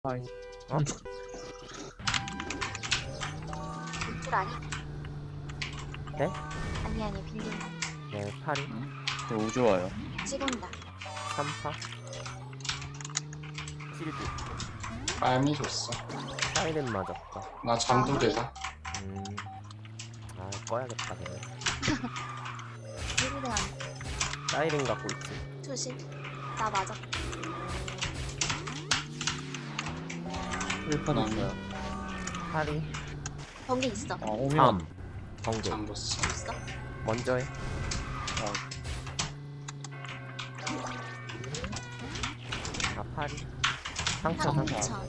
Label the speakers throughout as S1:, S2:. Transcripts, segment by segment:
S1: 하이.
S2: 어?
S3: 줄 아니?
S2: 네?
S3: 아니 빌린
S2: 네, 8이
S1: 저 우주 와요.
S3: 찍은다.
S2: 3파 실드
S4: 빨미 줬어.
S2: 사이렌 맞았다.
S4: 나 잠두대다.
S2: 아 꺼야겠다 그냥.
S3: 빌리는 안
S2: 사이렌 갖고 있지.
S3: 투실. 나 맞아.
S1: 1판 있어요.
S2: 8이
S3: 번개 있어.
S1: 아, 오면.
S2: 3 번개
S4: 잠궜어.
S3: 있어?
S2: 먼저 해. 아 8이 상처 상처.
S3: 상처.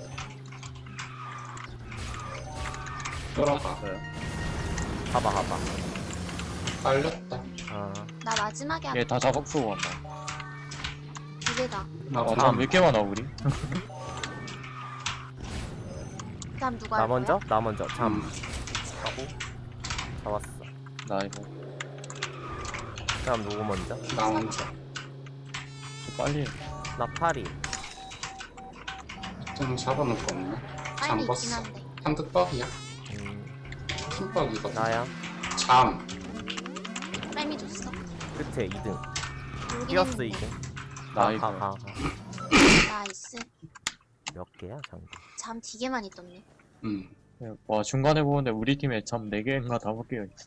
S4: 끌어가.
S2: 봐봐.
S4: 빨렸다.
S2: 아
S3: 나 마지막에 한
S1: 얘다 작업 쓰고 간다.
S3: 두 개다.
S4: 나
S1: 아,
S4: 어쩜
S1: 잠몇 개만 와, 우리?
S3: 그다음 누가
S2: 나
S3: 할
S2: 먼저?
S3: 거야?
S2: 나 먼저 잠 하고 잡았어.
S1: 나 이거.
S2: 그다음 누구 먼저?
S4: 나 먼저.
S1: 저 빨리.
S2: 나 8이
S4: 좀 잡아놓을 거 없나?
S3: 빨리 있긴
S4: 잠궜어.
S3: 한데.
S4: 한득뻑이야. 킹뻑이거든.
S2: 나야.
S4: 잠.
S3: 빨미 줬어.
S2: 끝에 2등
S3: 여기
S2: 뛰었어
S3: 했는데.
S2: 2등.
S1: 나 이거.
S2: 가.
S3: 나이스.
S2: 몇 개야 장기?
S3: 잠 되게 많이 떴네.
S1: 와, 중간에 보는데 우리 팀에 참 4개인가 5개가 있어.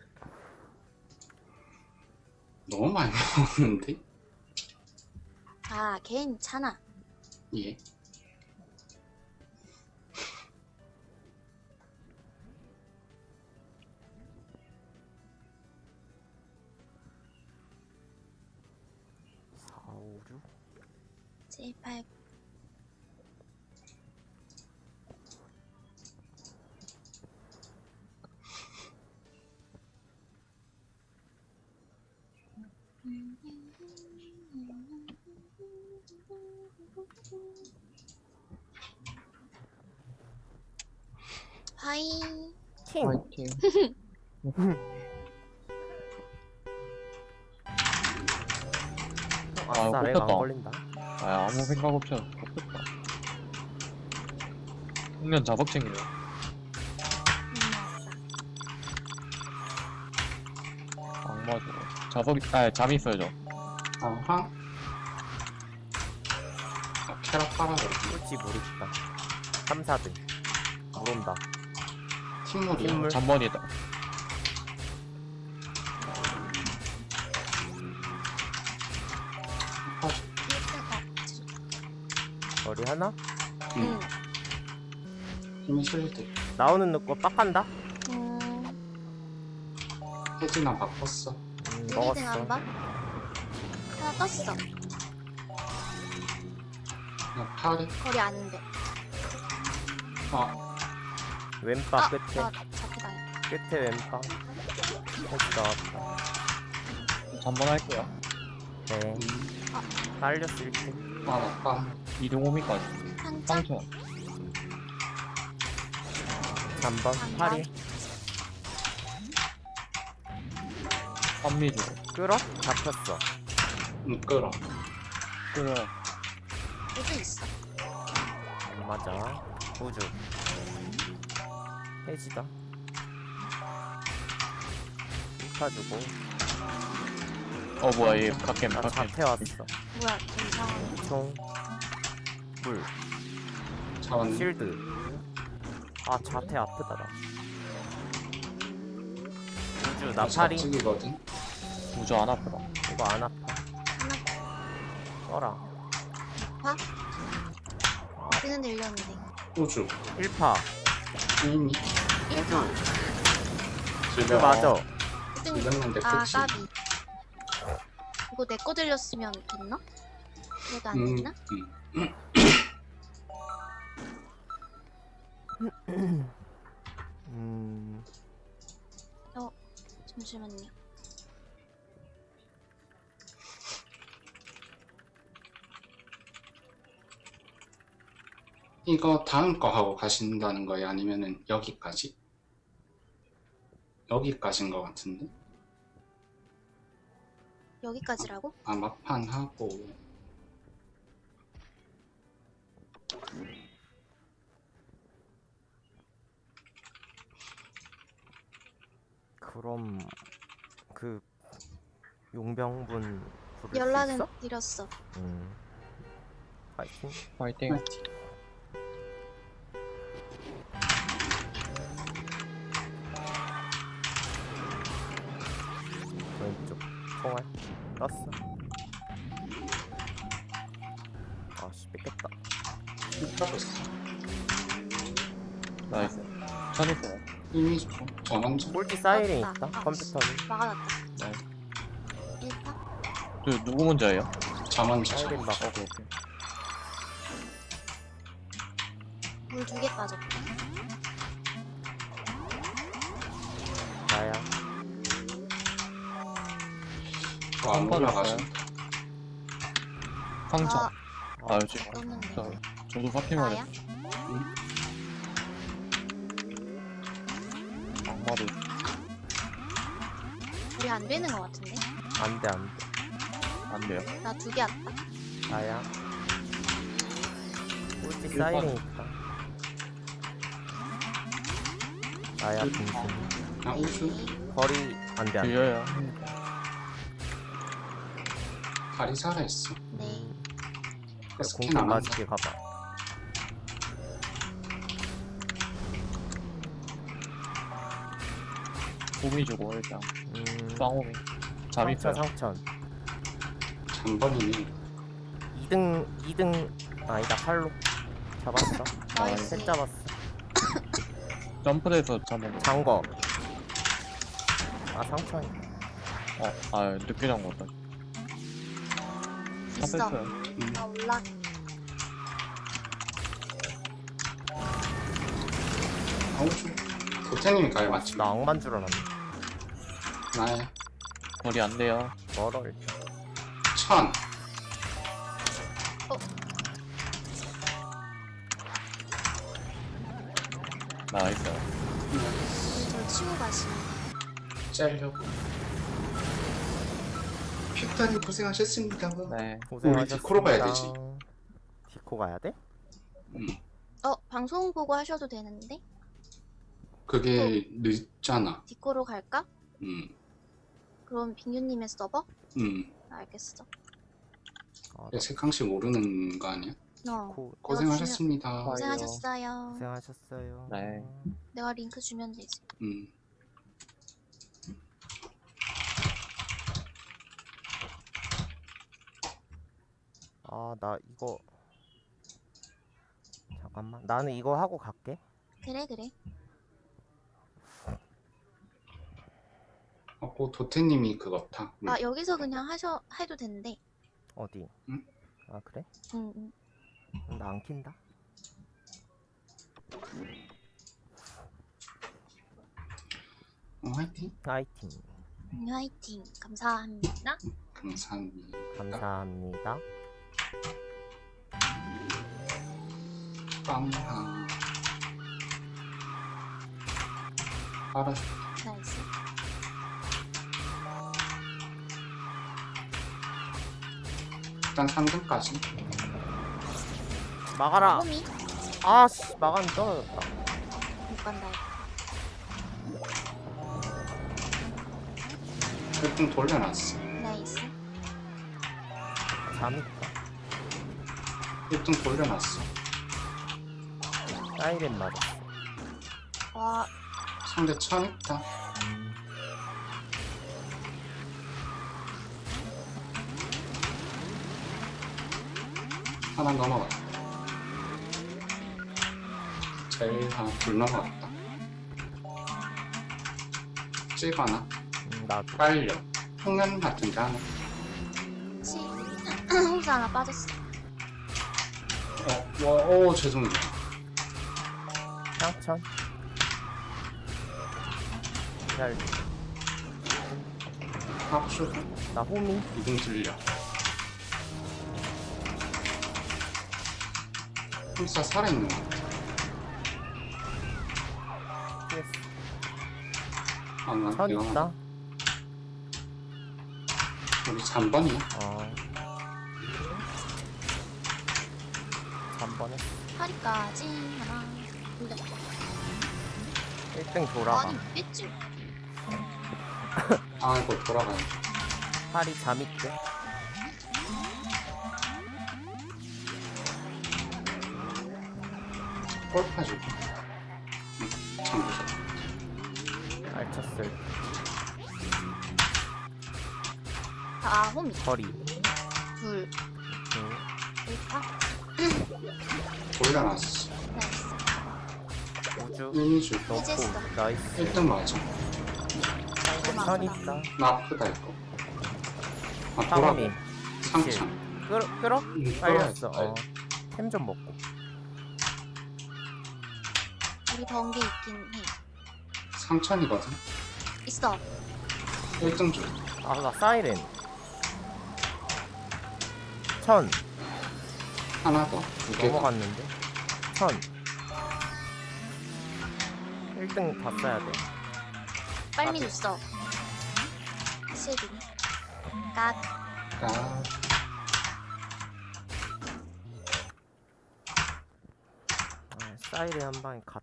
S4: 너무 많이 먹었는데?
S3: 아 괜찮아.
S4: 예.
S3: 제발. 하이.
S2: 킹!
S1: 화이팅.
S2: 아싸 렉 안
S1: 꼽혔다.
S2: 걸린다.
S1: 아, 아무 생각 없이 꼽혔다. 홍련 자석챙이네. 악마 저거. 잠이 있어요, 저.
S4: 아하. 아, 캐럿 빨아버려.
S2: 꿀지 물 있다. 3, 4등 물 온다.
S4: 팀물이야.
S2: 팀물.
S1: 잠번이다.
S2: 머리 하나?
S3: 응.
S4: 힘이 실릴 때.
S2: 나오는 거 빡한다?
S4: 혜진아 바꿨어.
S2: 먹었어.
S3: 1등 한 번. 하나 떴어.
S4: 나 팔이.
S3: 거리 아는데.
S2: 왼바 끝에
S3: 잡히다.
S2: 끝에 왼바 다시 나왔다.
S1: 잠번 할게요.
S2: 네 딸렸을 때
S4: 아빠.
S1: 이동 호미까지.
S3: 상장.
S1: 상처.
S2: 3번 8이
S1: 3미주.
S2: 끌어? 잡혔어.
S4: 끌어.
S1: 그래.
S3: 우주 있어.
S2: 맞아. 우주 해지다. 입혀주고
S1: 뭐야, 얘 갓겜,
S2: 나
S1: 갓겜.
S2: 잡혀왔어.
S3: 뭐야 괜찮아.
S2: 총 물
S4: 잡았네.
S2: 실드. 아 자태 아프다 나. 우주 나 8이
S4: 잡찍이거든.
S1: 우주 안 아프다.
S2: 이거 안 아파. 써라.
S3: 봐? 뛰는 데 일렸는데.
S4: 우주.
S2: 1파
S4: 이미.
S3: 1파.
S2: 우주 맞아.
S4: 이랬는데
S3: 아
S4: 그치.
S3: 까비. 이거 내 거 들렸으면 됐나? 그래도 안 됐나? 잠시만요.
S4: 이거 다음 거 하고 가신다는 거예요? 아니면은 여기까지? 여기까지인 거 같은데?
S3: 여기까지라고?
S4: 아, 막판 하고
S2: 그럼 그 용병분 부를 수
S3: 연락은
S2: 있어?
S3: 드렸어.
S2: 파이팅.
S1: 화이팅.
S4: 화이팅.
S2: 왼쪽 총알 떴어. 아씨 뺏겼다.
S4: 힘들고 있어.
S1: 나이스. 천 있어요.
S4: 이미 저 먼저.
S2: 꼴찌 사이렌
S3: 맞다.
S2: 있다.
S3: 아,
S2: 컴퓨터는
S3: 막아놨다.
S1: 네.
S3: 1파?
S1: 누구 먼저예요?
S4: 저 먼저.
S2: 사이렌 막
S1: 오케이 오케이.
S3: 물 2개 빠졌다.
S2: 나야.
S4: 안 올라가신다.
S1: 상처.
S3: 아,
S1: 아 지금
S3: 떴는데.
S1: 저도 파티만
S3: 나야?
S1: 했어. 악마도
S3: 우리 안 되는 것 같은데?
S2: 안돼 안돼.
S1: 안 돼요.
S3: 나 2개 왔다.
S2: 나야. 꼴찌
S1: 일반.
S2: 사이렌 있다. 나야 빙신.
S4: 아, 우수.
S2: 거리 안돼 안돼.
S1: 들려요.
S4: 다리 살아있어.
S3: 네.
S4: 스캔
S2: 공좀
S4: 안 한다.
S2: 맞을게 가봐.
S1: 호미 주고 일단 쌍호미. 잠
S2: 상천
S1: 있어요.
S2: 상천.
S4: 잠번이네.
S2: 2등 아니다 팔로 잡았어.
S3: 나이스.
S2: 셋 잡았어.
S1: 점프돼서 잠은.
S2: 장거. 아 상천이.
S1: 아 늦게 잠궜다.
S3: 있어.
S1: 탑했어요.
S3: 나 올라.
S4: 아, 우수. 도태님이 가요 맞지?
S2: 나 악만 줄 알았네.
S4: 나의
S1: 거리 안 돼요.
S2: 멀어 일단.
S4: 1000.
S1: 나이스.
S3: 저 치고 가시네.
S4: 짤려고. 픽다님 고생하셨습니다.
S1: 네.
S2: 고생하셨습니다.
S4: 디코로 가야 되지.
S2: 디코 가야 돼?
S3: 방송 보고 하셔도 되는데?
S4: 그게 늦잖아.
S3: 디코로 갈까?
S4: 음,
S3: 그럼 빙규님의 서버?
S4: 음.
S3: 알겠어.
S2: 아, 나
S4: 색강씨 모르는 거 아니야?
S2: 디코
S4: 고생하셨습니다.
S3: 고생하셨어요.
S2: 고생하셨어요.
S1: 네.
S3: 내가 링크 주면 되지.
S4: 음.
S2: 아, 나 이거 잠깐만. 나는 이거 하고 갈게.
S3: 그래 그래.
S4: 그 도태님이 그거다.
S3: 아 여기서 그냥 해도 된대.
S2: 어디?
S4: 응?
S2: 아, 그래?
S3: 응.
S2: 나 안 킨다.
S4: 화이팅.
S2: 화이팅.
S3: 화이팅. 감사합니다.
S4: 감사합니다.
S2: 감사합니다.
S4: 빵하. 알았어.
S3: 나이스.
S4: 일단 3등까지.
S2: 막아라.
S3: 호미
S2: 아씨, 막았는데 떨어졌다.
S3: 못 간다.
S4: 1등 돌려놨어.
S3: 나이스.
S2: 잠 있다.
S4: 1등 돌려놨어.
S2: 사이렌 맞았어.
S3: 와
S4: 상대 1000 있다. 하나 넘어갔다. 제일 하나 둘 넘어갔다. 찔 하나.
S2: 나도.
S4: 빨려. 평면 같은데 하나.
S3: 치. 혹시 하나 빠졌어.
S4: 오 죄송해요.
S2: 상천. 잘.
S4: 합수.
S2: 나 호미.
S4: 이등 들려. hul사 살아있는 거 같아.
S2: PS.
S4: 나
S2: 천
S4: 이거
S2: 있다.
S4: 우리 잠번이야.
S2: 잠번에.
S3: 파리까지 하나. 돌렸다.
S2: 1등 돌아가.
S3: 아니 뺐지.
S4: 이거 돌아가요.
S2: 팔이 잠 있대.
S4: 골파 주고. 참 무서워.
S2: 알쳤을
S3: 아, 홈이.
S2: 거리.
S3: 둘.
S2: 응.
S3: 1파.
S4: 올려놨어.
S3: 나이스.
S2: 우주.
S4: 이미지
S2: 넣고.
S3: 해제했어.
S2: 나이스.
S4: 1등 맞아.
S2: 선 있다.
S4: 나 아프다 이거. 돌아가.
S2: 사범이.
S4: 상창.
S2: 끌어? 빨렸어.
S4: 끌어야지.
S2: 템 좀 먹고.
S3: 우리 번개 있긴 해.
S4: 상천이거든.
S3: 있어.
S4: 1등 줘.
S2: 나 사이렌. 천.
S4: 하나 더. 2개 더.
S2: 넘어갔는데. 천. 1등 다 써야 돼.
S3: 빨미 줬어. 실드. 깍.
S4: 아,
S2: 사이렌 한 방에 갔다.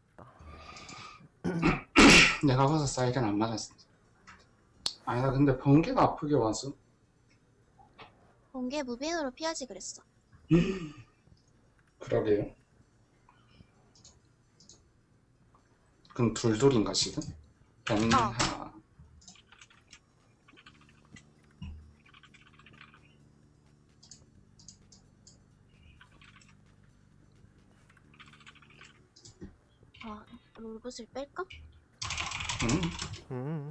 S4: 내가 봐서 사이렌 안 맞았어. 아니 나 근데 번개가 아프게 와서.
S3: 번개 무빙으로 피하지 그랬어.
S4: 그러게요. 그럼 둘둘인가 지금? 변하.
S3: 아, 롤봇을 뺄까?
S2: 음.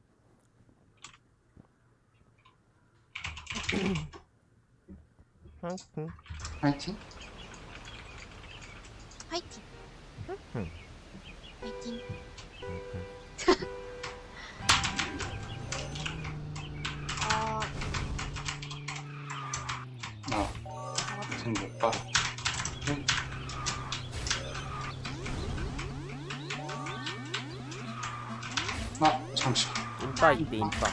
S4: 파이팅?
S3: 화이팅.
S2: 응.
S3: 화이팅. 아,
S4: 지금 못 봐. 잠시만.
S2: 인파 있대, 인파.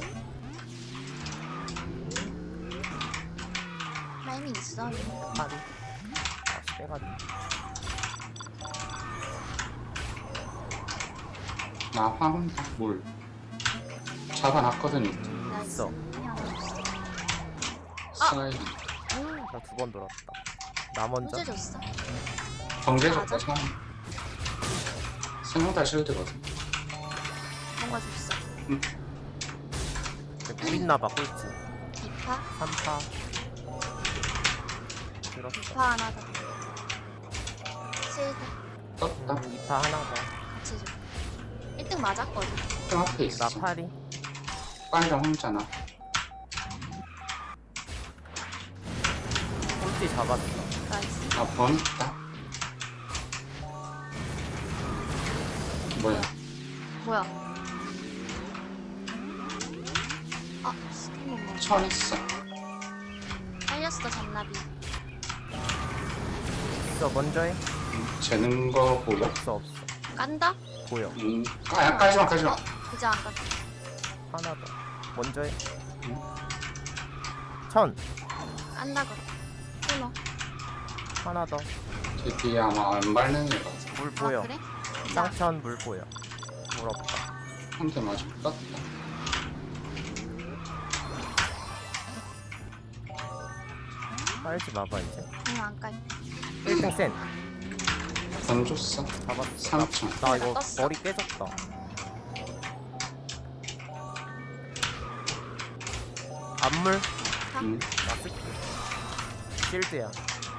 S3: 타이밍 있어.
S2: 파리. 빼가지고.
S4: 나 화분다. 물. 잡아놨거든요.
S3: 나이스.
S2: 있어.
S3: 그냥 줬어.
S4: 사이렌.
S2: 나 두 번 돌았다. 나 먼저.
S3: 호주 줬어.
S4: 번개
S3: 맞아.
S4: 줬다. 세명 다 실드거든.
S3: 뭔가 줬어.
S2: 물 있나봐, 꼴찌.
S3: 2파.
S2: 3파. 들었어.
S3: 2파 하나 더. 실드.
S4: 떴다.
S2: 2파 하나 더.
S3: 같이 줘. 1등 맞았거든.
S4: 등 앞에 있어.
S2: 나 파리.
S4: 빨강 혼자나.
S2: 꼴찌 잡았어.
S3: 나이스.
S4: 번 있다. 뭐야?
S3: 뭐야? 아, 스킨
S4: 천 있어.
S3: 빨렸어, 잔나비.
S2: 있어, 먼저 해.
S4: 재는 거 보여?
S2: 없어.
S3: 깐다?
S2: 보여.
S4: 까지마.
S3: 그저 안 깐다.
S2: 하나 더. 먼저 해. 천.
S3: 깐다, 그럼. 끊어.
S2: 하나 더.
S4: 제 뒤에 아마 안 밟는 애 같아.
S2: 물 보여.
S3: 아, 그래?
S2: 쌍천 물 보여. 물 없다.
S4: 한 대 맞아. 떴다.
S2: 빨지 마봐, 이제.
S3: 응, 안 깔.
S2: 1등 센.
S4: 던졌어.
S2: 잡았어.
S4: 3천.
S2: 나 이거
S3: 떴어.
S2: 머리 깨졌다. 안물? 나 쓸게. 실드야.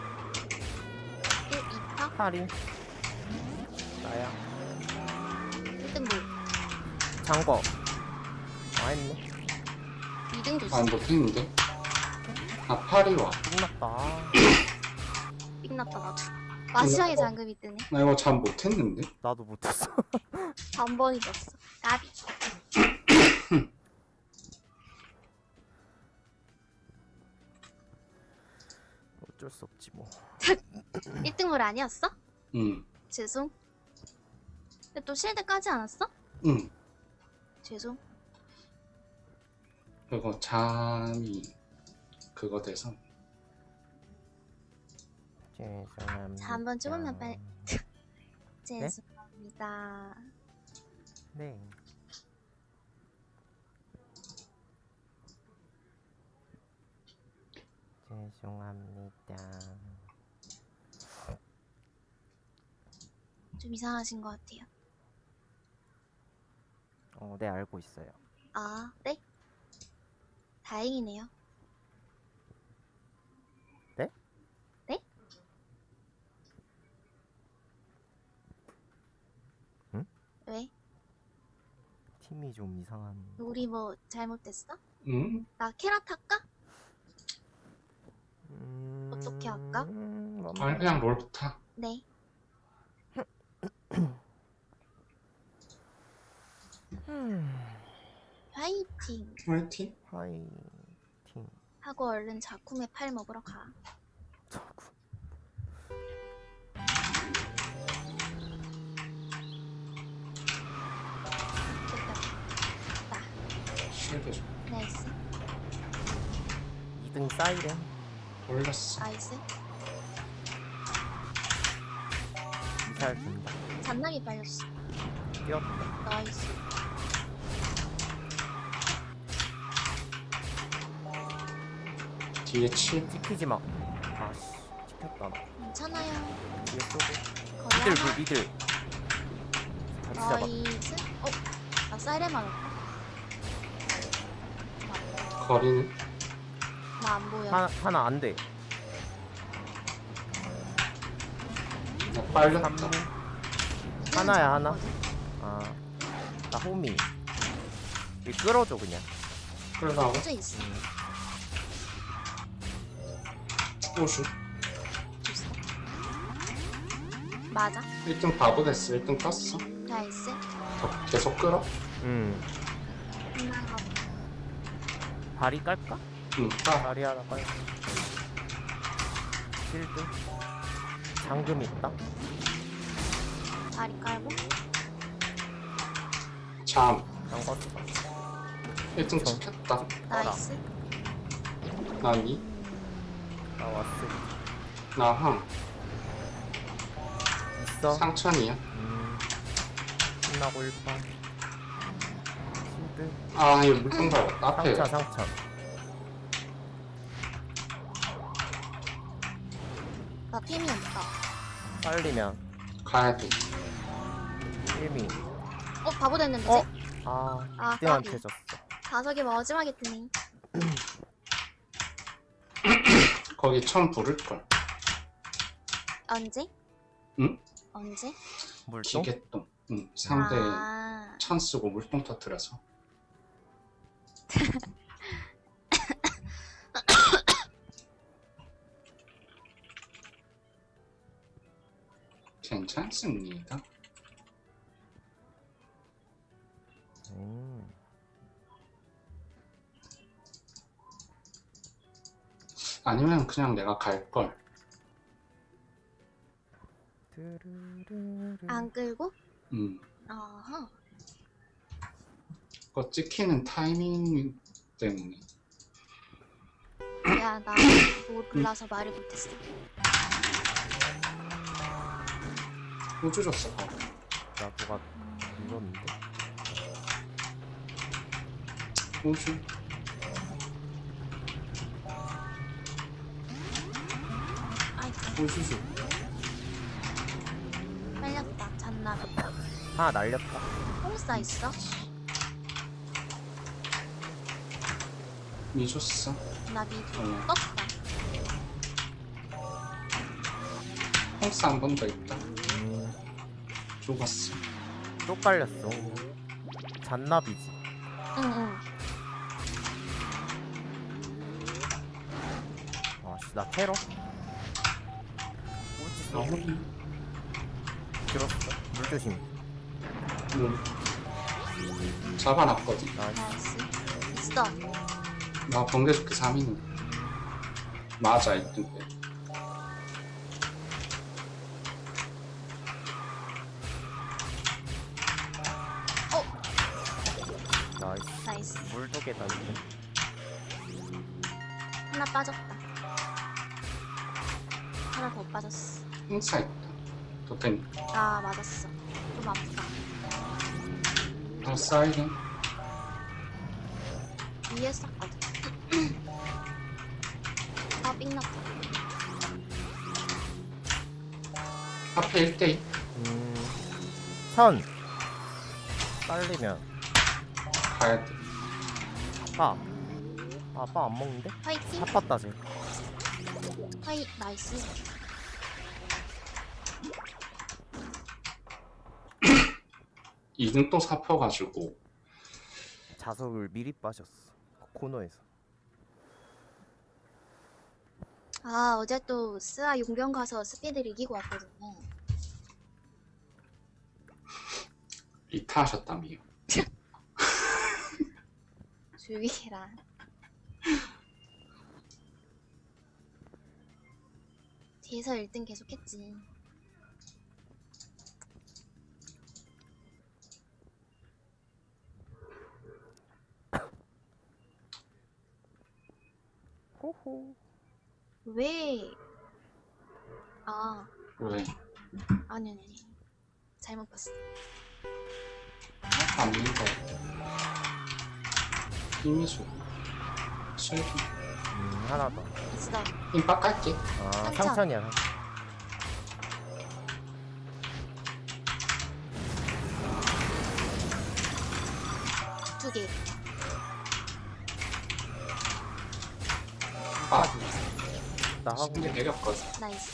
S3: 2파?
S2: 파리. 나야.
S3: 1등 물.
S2: 장거. 했네.
S3: 2등 줬어.
S4: 아 못했는데? 파리 와.
S2: 끝났다.
S3: 삑났다, 나도. 마지막에 잠금이 뜨네.
S4: 나 이거 잠 못했는데?
S2: 나도 못했어.
S3: 한 번이 졌어. 까비.
S2: 어쩔 수 없지 뭐.
S3: 1등 물 아니었어?
S4: 응.
S3: 죄송. 근데 또 실드 까지 않았어?
S4: 응.
S3: 죄송.
S4: 그리고 잠이 그거 돼서
S2: 죄송합니다.
S3: 자, 한번 죽으면 빨리. 죄송합니다.
S2: 네. 죄송합니다.
S3: 좀 이상하신 것 같아요.
S2: 네, 알고 있어요.
S3: 아, 네? 다행이네요.
S2: 네?
S3: 네?
S2: 응?
S3: 왜?
S2: 팀이 좀 이상한.
S3: 우리 뭐 잘못됐어?
S4: 응?
S3: 나 캐럿 할까? 어떻게 할까?
S4: 아니 그냥 롤부터.
S3: 네. 화이팅!
S4: 화이팅.
S2: 화이팅.
S3: 하고 얼른 자쿠메 팔 먹으러 가.
S2: 자꾸.
S3: 됐다.
S4: 쉴드 좀
S3: 나이스.
S2: 2등 사이렌.
S4: 올렸어.
S3: 나이스.
S2: 미사일 준다.
S3: 잔남이 빨렸어.
S2: 뛰었다.
S3: 나이스.
S4: 뒤에 7.
S2: 찍히지 마. 아씨, 찍혔다 나.
S3: 괜찮아요.
S2: 뒤에 쏘고.
S3: 거리
S2: 미들
S3: 하나.
S2: 미들. 같이 잡아.
S3: 나이스. 나 사이렌 맞았다.
S4: 거리는
S3: 나 안 보여.
S2: 하나 안 돼.
S4: 나 빨렸다.
S2: 3문.
S3: 얘는
S2: 하나야, 하나.
S3: 잡았거든.
S2: 아, 나 호미. 이 끌어줘 그냥.
S4: 끌어가고
S3: 혼자 있어.
S4: 호수.
S3: 줬어. 맞아.
S4: 1등 바보 됐어. 1등 떴어.
S3: 나이스.
S4: 더 계속 끌어.
S3: 끝나가고.
S2: 다리 깔까?
S4: 응. 아,
S2: 다리 하나 깔. 실드. 잠금 있다.
S3: 다리 깔고.
S4: 잠.
S2: 잠궜어.
S4: 1등 찍혔다.
S3: 나이스.
S4: 나 2.
S2: 나 왔어.
S4: 나 항.
S2: 있어.
S4: 상천이야.
S2: 신나고 1번. 실드.
S4: 아, 이거 물통 밟았다. 앞에.
S2: 상처.
S3: 나 템이 없다.
S2: 빨리면.
S4: 가야 돼.
S2: 1미.
S3: 바보 됐는데.
S2: 어?
S3: 쟤?
S2: 아,
S3: 아,
S2: 이등한테
S3: 까비.
S2: 졌어.
S3: 다섯이 마지막에 뜨네.
S4: 거기 처음 부를걸.
S3: 언제?
S4: 응?
S3: 언제?
S2: 물통?
S4: 기계똥. 응. 상대
S3: 아,
S4: 찬 쓰고 물통 터뜨려서. 괜찮습니다. 아니면 그냥 내가 갈걸.
S3: 안 끌고?
S4: 응.
S3: 아하.
S4: 그거 찍히는 타이밍 때문에.
S3: 야, 나 몰라서 말을 못했어.
S4: 우주 줬어. 바로.
S2: 나 누가 밀었는데?
S4: 우주.
S3: 아이고,
S4: 우주 줘.
S3: 빨렸다. 잔나.
S2: 하나 날렸다.
S3: 뽕싸 있어?
S4: 미 줬어.
S3: 나 미드
S4: 어.
S3: 떴다.
S4: 홈스 한 번 더 있다. 죽었어.
S2: 또 깔렸어. 잔나비지.
S3: 응응.
S2: 아씨, 나 테러? 꼴찌 써.
S4: 너무
S2: 들었어. 물 조심.
S4: 잡아놨거든.
S3: 나이스. 있어.
S4: 나 번개 좋게 3위는. 맞아, 있던데.
S2: 나이스.
S3: 나이스.
S2: 물 두 개 던져.
S3: 하나 빠졌다. 하나 더 빠졌어.
S4: 행사 있다. 도텐.
S3: 아, 맞았어. 좀 아프다.
S4: 더 사이렌.
S3: 위에 썼거든. 아, 삑났다.
S4: 앞에 1대2
S2: 천 빨리면
S4: 가야 돼.
S2: 빠. 아빠 안 먹는데?
S3: 화이팅.
S2: 아팠다 쟤.
S3: 화이 나이스.
S4: 이등 또 사펴가지고
S2: 자석을 미리 빠졌어. 코너에서.
S3: 아 어제 또 스아 용병 가서 스피드를 이기고 왔거든요.
S4: 리타 하셨다며요.
S3: 조용히 해라. 뒤에서 1등 계속했지.
S2: 호호.
S3: 왜? 아
S4: 왜?
S3: 아니 잘못 봤어.
S4: 안 믿어. 힘이죠. 실기.
S2: 하나 더.
S3: 있어.
S4: 힘 빡갈게.
S2: 아
S3: 상천.
S2: 상천이야.
S3: 두 개.
S4: 아,
S2: 나 하고
S4: 근데 내렸거든.
S3: 나이스.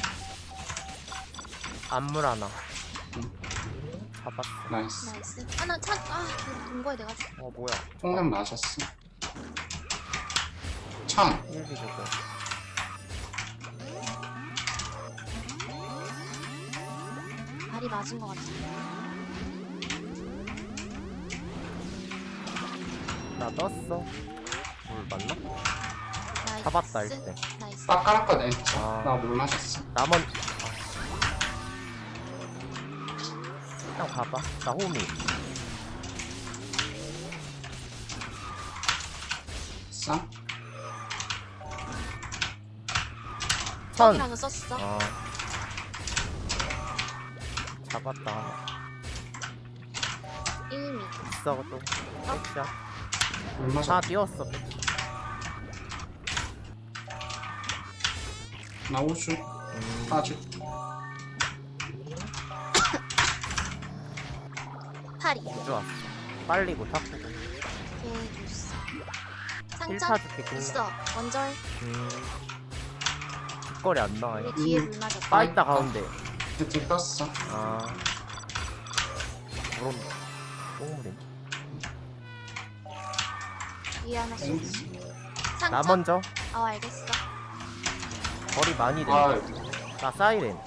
S2: 안물 하나.
S4: 응.
S2: 잡았어.
S4: 나이스.
S3: 나이스. 하나 돈 거에 내가
S2: 뭐야?
S4: 폭탄 맞았어. 천.
S2: 1비 주고.
S3: 발이 맞은 것 같아.
S2: 나 떴어. 물 맞나?
S3: 나이스.
S2: 잡았다, 일단.
S3: 나이스.
S4: 빡 깔았거든.
S2: 아.
S4: 나 물 마셨어.
S2: 남은. 그냥 봐봐. 나 호미.
S4: 싸?
S2: 천.
S3: 천이라고 썼어.
S2: 잡았다. 하나.
S3: 1미.
S2: 있어 또. 백샷.
S4: 물 마셨.
S2: 하나 띄웠어.
S4: 나 우주. 빠질.
S3: 파리.
S2: 좋았어. 빨리고 탁구고.
S3: 개주스.
S2: 1파
S3: 상점
S2: 줄게.
S3: 있어. 원절.
S2: 뒷거리 안 나와.
S3: 우리 뒤에 물 맞았다.
S2: 빠있다 가운데.
S4: 헤드 떴어.
S2: 아. 물온다. 똥물이네.
S3: 위에 하나 쏘지.
S2: 나
S3: 상점.
S2: 먼저.
S3: 알겠어.
S2: 거리 많이 돼.
S4: 아,
S2: 나 사이렌.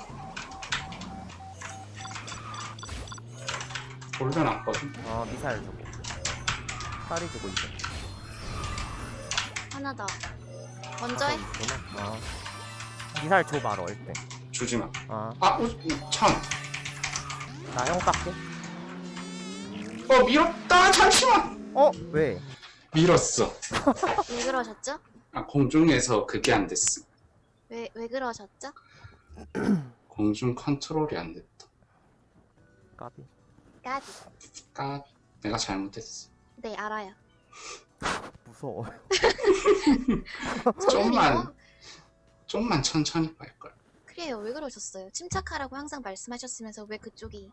S4: 올려놨거든.
S2: 미사일 주고. 살이 주고 있어.
S3: 하나 더. 원절.
S2: 있구나. 미사일 줘 바로 일때.
S4: 주지 마.
S2: 나
S4: 아, 우주. 천.
S2: 형 깎게.
S4: 밀었다. 잠시만.
S2: 왜?
S4: 밀었어.
S3: 왜 그러셨죠?
S4: 아, 공중에서 그게 안 됐어.
S3: 왜 그러셨죠?
S4: 공중 컨트롤이 안 됐다.
S2: 까비.
S3: 까비.
S4: 까 내가 잘못했어.
S3: 네 알아요.
S2: 무서워.
S4: 좀만 천천히 갈걸.
S3: 그래요. 왜 그러셨어요? 침착하라고 항상 말씀하셨으면서 왜 그쪽이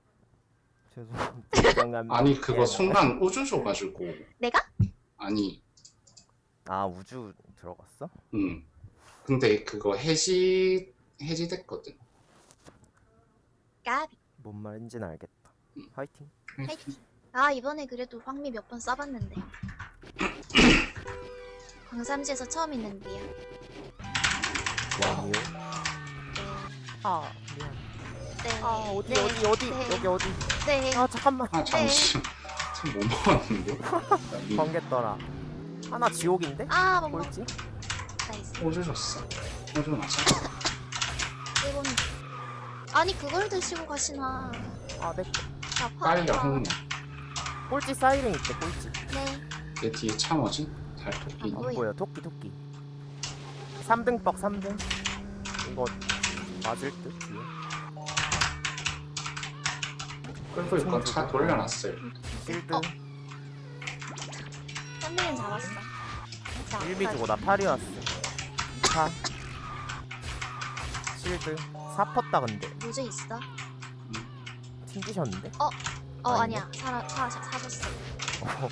S2: 죄송합니다.
S4: 아니 그거 순간 우주 줘가지고.
S3: 내가?
S4: 아니,
S2: 우주 들어갔어?
S4: 근데 그거 해지됐거든.
S3: 까비.
S2: 뭔 말인지는 알겠다. 화이팅.
S3: 화이팅. 아 이번에 그래도 황미 몇 번 써봤는데 광삼지에서 처음 있는데요.
S2: 와미오.
S3: 네.
S2: 미안.
S3: 네.
S2: 어디
S3: 네.
S2: 어디
S3: 네.
S2: 여기 어디?
S3: 네.
S2: 잠깐만.
S4: 아 잠시만. 참 못 먹었는데.
S2: 번개떠라. 하나 지옥인데?
S3: 아 뭔가
S2: 꼴찌?
S3: 나이스.
S4: 우주 줬어. 우주 맞아.
S3: 일본. 아니 그걸 드시고 가시나.
S2: 내
S3: 나
S4: 빨려
S3: 파리가.
S4: 흥냐.
S2: 꼴찌 사이렌 있대 꼴찌.
S3: 네.
S4: 내 뒤에 차 뭐지? 달토끼.
S3: 아,
S2: 안
S3: 뭐야?
S2: 보여 토끼. 3등 뻑 3등. 이거 맞을 듯 뒤에.
S4: 끌고 있건 차 돌려놨어요.
S2: 1등.
S3: 3등은 잡았어. 자,
S2: 1비 주고 나 8위 왔어. 사 실드 4 펐다 근데
S3: 무제 있어?
S2: 튕기셨는데?
S3: 아니야.
S2: 아닌데?
S3: 사줬어.
S2: 어,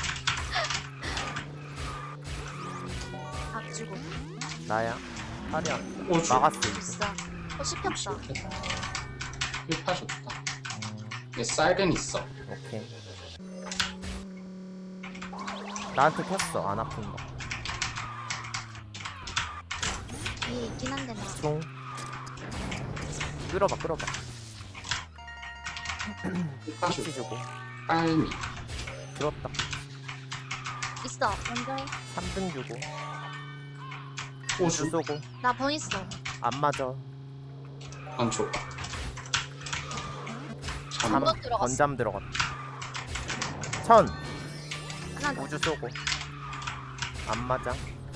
S3: 박 주고.
S2: 나야 파리야
S4: 오주.
S2: 막았어
S3: 있어. 씹혔다.
S4: 좋겠다. 1파 좋다. 얘 사이렌 있어.
S2: 오케이 나한테 켰어 안 아픈 거
S3: 위에 있긴 한데 나.
S2: 총 끌어봐
S4: 1파
S2: 위치
S4: 좋
S2: 주고
S4: 빨미.
S2: 들었다
S3: 있어. 먼저 해.
S2: 3등 주고
S4: 오주.
S2: 주 쏘고
S3: 나 번 있어.
S2: 안 맞아
S4: 안 줘. 잠.
S3: 번 들어갔어.
S2: 건잠 들어갔다 천
S3: 하나 더.
S2: 우주 쏘고 안 맞아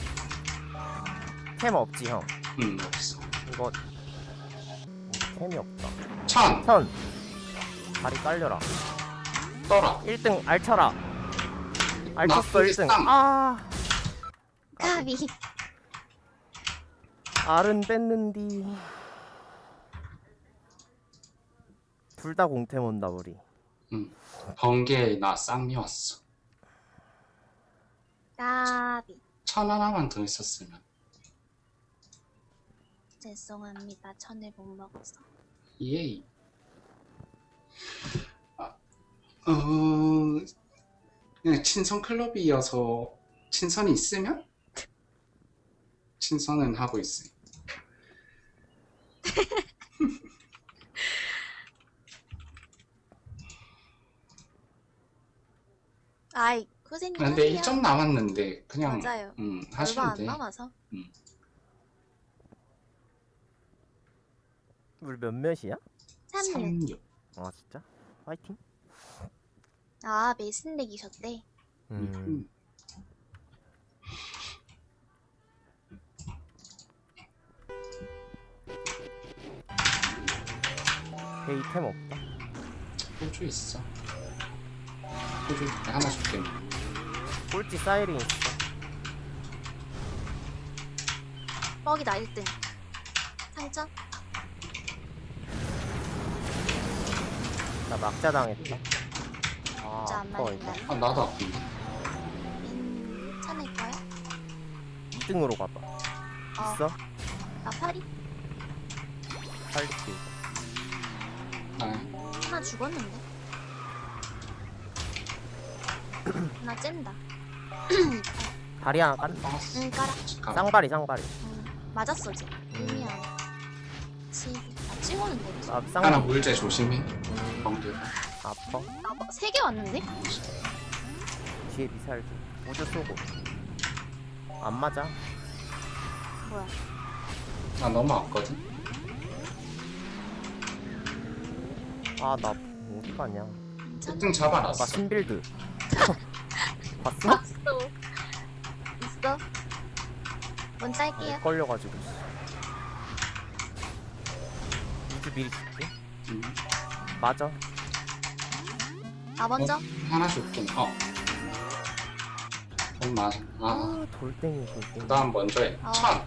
S2: 템 없지 형
S4: 없어.
S2: 이거 템이 없다
S4: 천.
S2: 천 다리 깔려라
S4: 떠라.
S2: 1등 알쳐라 알쳤어
S4: 나쁘게
S2: 1등
S4: 쌈.
S2: 아
S3: 까비.
S2: 알은 뺐는디 둘 다 공템 온다 우리
S4: 번개에 나 쌍미 왔어.
S3: 까비.
S4: 천 하나만 더 있었으면.
S3: 죄송합니다. 천을 못 먹어서.
S4: 예이. 그냥 친선 클럽이어서 친선이 있으면 친선은 하고 있어.
S3: 아이, 고생님
S4: 근데
S3: 하세요.
S4: 1점 남았는데 그냥
S3: 맞아요. 얼마
S4: 하시면
S3: 안
S4: 돼.
S3: 남아서.
S2: 우리 몇몇이야?
S3: 3일.
S4: 36.
S2: 아 진짜? 화이팅
S3: 아, 메신 내기셨대.
S2: 베이템 없다
S4: 호주 있어. 호주 하나 줄게.
S2: 꼴찌 사이렌 있어
S3: 뻑이다 1등. 상점?
S2: 나 막자 당했다 아
S3: 진짜 안
S2: 아파
S3: 맞는다.
S2: 이거
S4: 나도 아픈데.
S3: 괜찮을 거야?
S2: 2등으로 가봐 있어?
S3: 나 파리?
S2: 살릴게 이거
S3: 하나 죽었는데? 하나 쨘다.
S2: 다리 하나 깐다
S3: 응, 깔아.
S2: 쌍발이
S3: 맞았어, 지금. 의미야. 나 찍었는데.
S2: 아
S4: 하나
S2: 쌍발
S4: 물제 조심해. 번개가.
S2: 아파
S3: 아, 뭐, 3개 왔는데?
S2: 뒤에 미사일 좀 우주 쏘고 안 맞아
S3: 뭐야?
S4: 나 넘어왔거든.
S2: 아 나 어디 가냐
S3: 괜찮아?
S4: 1등 잡아놨어.
S2: 나 신빌드 봤어?
S3: 봤어. 있어? 먼저 할게요.
S2: 걸려가지고 우주 미리 줄게
S4: 음.
S2: 맞아
S3: 나 먼저?
S4: 하나 줄게. 맞아.
S2: 아 돌덩이
S4: 그 다음 먼저 해.
S3: 어.
S4: 천.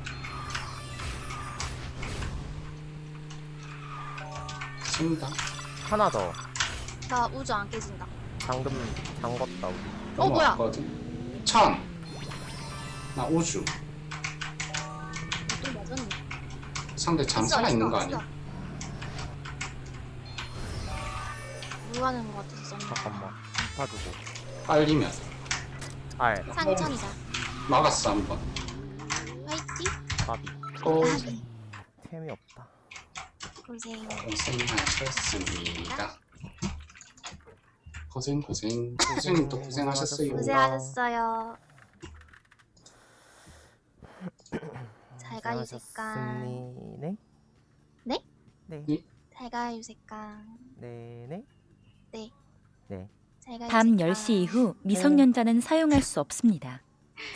S4: 쓴다.
S2: 하나 더
S3: 나 우주 안 깨진다.
S2: 방금 잠궜다 우리
S3: 뭐야?
S4: 넘어왔거든. 천. 나 우주.
S3: 또 맞았네.
S4: 상대 잠수가 있는 거 아니야?
S3: 물 가는 거 같아서 썼나?
S2: 잠깐만 파주고
S4: 빨리면.
S2: 알
S3: 상천이다.
S4: 막았어 한 번.
S3: 화이팅!
S2: 가비
S4: 또
S3: 까비.
S2: 템이 없다
S3: 고생.
S4: 고생하셨습니다. 고생님도 고생하셨어요.
S3: 고생하셨어요. 잘 가 유색강.
S2: 네?
S3: 네?
S2: 네.
S3: 잘 가 유색강.
S2: 네네.
S3: 네.
S2: 네.
S3: 잘 가
S5: 밤
S3: 유색강.
S5: 10시 이후 미성년자는 사용할 수 없습니다.